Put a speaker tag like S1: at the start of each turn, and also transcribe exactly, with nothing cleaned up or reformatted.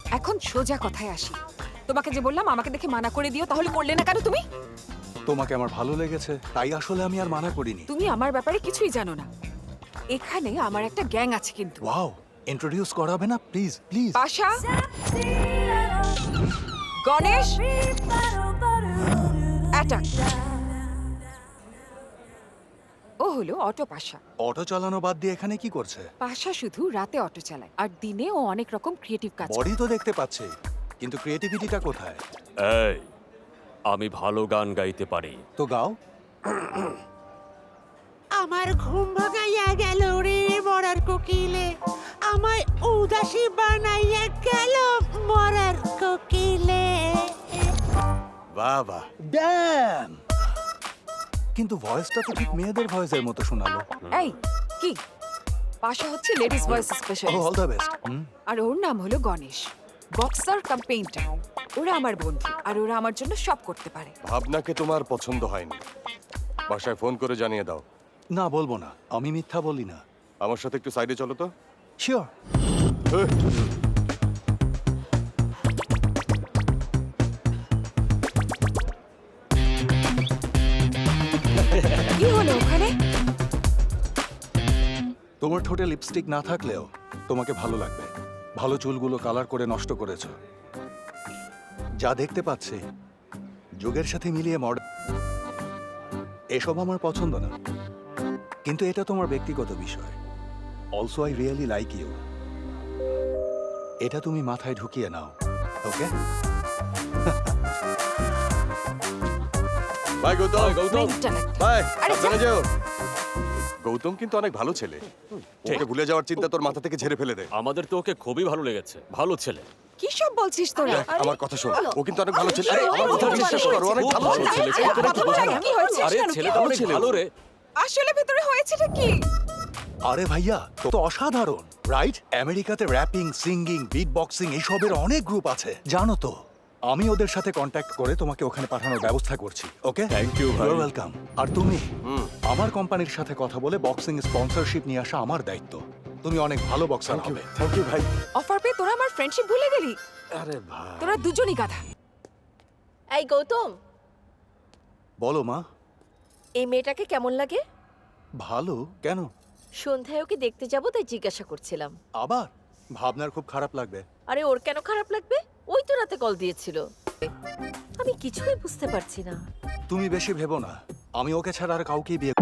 S1: এখন সোজা কথায় আসি। তোমাকে যে বললাম আমাকে দেখে মানা করে দিও, তাহলে করলে না কেন তুমি?
S2: তোমাকে আমার ভালো লেগেছে, তাই আসলে আমি আর মানা করিনি।
S1: তুমি আমার ব্যাপারে কিছুই জানো না। এখানে আমার একটা গ্যাং আছে কিন্তু।
S2: ওয়াও, ইন্ট্রোডিউস করাবে না please please?
S1: Pasha, Ganesh, attack. ও হলো অটো পাশা।
S2: অটো চালানো বাদ দিয়ে এখানে কি করছে?
S1: পাশা শুধু রাতে অটো চালায়, আর দিনে ও অনেক রকম ক্রিয়েটিভ কাজ করে।
S2: বডি তো দেখতে পাচ্ছি, কিন্তু ক্রিয়েটিভিটিটা কোথায়?
S3: এই, আমি ভালো গান গাইতে পারি।
S2: তো গাও।
S4: আমার ঘুম ভাঙাইয়া গেল রে মরার কোকিলে, আমায় উদাসী বানাইয়া গেল মরার কোকিলে।
S2: বাহ বাহ, ড্যাম! কিন্তু ভয়েসটা তো ঠিক মেয়েদের ভয়েসের মতো শোনালো।
S1: এই কি, পাশা হচ্ছে ladies voice specialist,
S2: all the best.
S1: আর ওর নাম হলো গণেশ, বক্সার কাম পেইন্টার। ওরা আমার বন্ধু, আর ওরা আমার জন্য সব করতে পারে।
S5: ভাবনাকে তোমার পছন্দ হয়নি, বাসায় ফোন করে জানিয়ে দাও।
S2: না, বলবো না, আমি মিথ্যা বলি না।
S5: আমার সাথে একটু সাইডে চলো তো।
S2: শিওর।
S1: কি হলো ওখানে?
S2: তোমার ঠোঁটে লিপস্টিক না থাকলেও তোমাকে ভালো লাগবে। ভালো চুলগুলো কালার করে নষ্ট করেছো। যা দেখতে পাচ্ছি যুগের সাথে মিলিয়ে মডার্ন। এসব আমার পছন্দ না, কিন্তু এটা তোমার ব্যক্তিগত বিষয়। Also I really like you. এটা তুমি মাথায় ঢুকিয়ে নাও, okay?
S5: Bye Gautam.
S3: Gautam,
S1: mental একটা।
S5: বাই,
S1: আরে
S5: সাবধানে
S1: যা।
S5: যেও। গৌতম কিন্তু অনেক ভালো ছেলে। ওকে ভুলে যাওয়ার চিন্তা তোর মাথা থেকে ঝেড়ে ফেলে দে।
S3: আমাদের তো ওকে খুবই ভালো লেগেছে। ভালো ছেলে।
S1: কি সব বলছিস তোরা?
S5: দেখ, আমার কথা শোন, ও কিন্তু অনেক ভালো ছেলে।
S1: আরে,
S5: আমার কথা
S1: আরে,
S5: বিশ্বাস
S1: আরে,
S5: কর, ও অনেক
S3: খুব
S5: ভালো
S3: ভালো
S5: ছেলে।
S3: ছেলে।
S1: আরে, বাবা, ভাই, কি হয়েছে?
S3: আরে
S1: কেন?
S3: ছেলেটা
S1: কি
S3: অনেক
S1: হয়েছে?
S3: ভালো রে।
S1: আসলে ভেতরে হয়েছেটা কি?
S2: আরে ভাইয়া, তো তো অসাধারণ, রাইট? আমেরিকাতে র্যাপিং, সিঙ্গিং, বিট বক্সিং এইসবের অনেক গ্রুপ আছে, জানো তো? আমি ওদের সাথে কন্ট্যাক্ট করে তোমাকে ওখানে পাঠানোর ব্যবস্থা করছি, ওকে?
S3: Thank you, ভাই।
S2: You're welcome. আর তুমি আমার কোম্পানির সাথে কথা বলে বক্সিং স্পন্সরশিপ নিয়ে আসা আমার দায়িত্ব। তুমি অনেক ভালো বক্সার হবে।
S5: থ্যাংক ইউ ভাই।
S1: অফার পেয়ে তোরা আমার ফ্রেন্ডশিপ ভুলে গেলি?
S5: আরে ভাই,
S1: তোরা দুজনই গাধা।
S6: এই গৌতম,
S2: বলো মা।
S6: এই মেয়েটাকে কেমন লাগে?
S2: ভালো কেন?
S6: সন্ধ্যায় ওকে দেখতে যাবো তাই জিজ্ঞাসা করছিলাম।
S2: আবার ভাবনার খুব খারাপ লাগবে।
S6: আরে ওর কেন খারাপ লাগবে? ওই তো রাতে কল দিয়েছিল। আমি কিছুই বুঝতে পারছি না।
S2: তুমি বেশি ভেবো না, আমি ওকে ছাড়া আর কাউকেই বিয়ে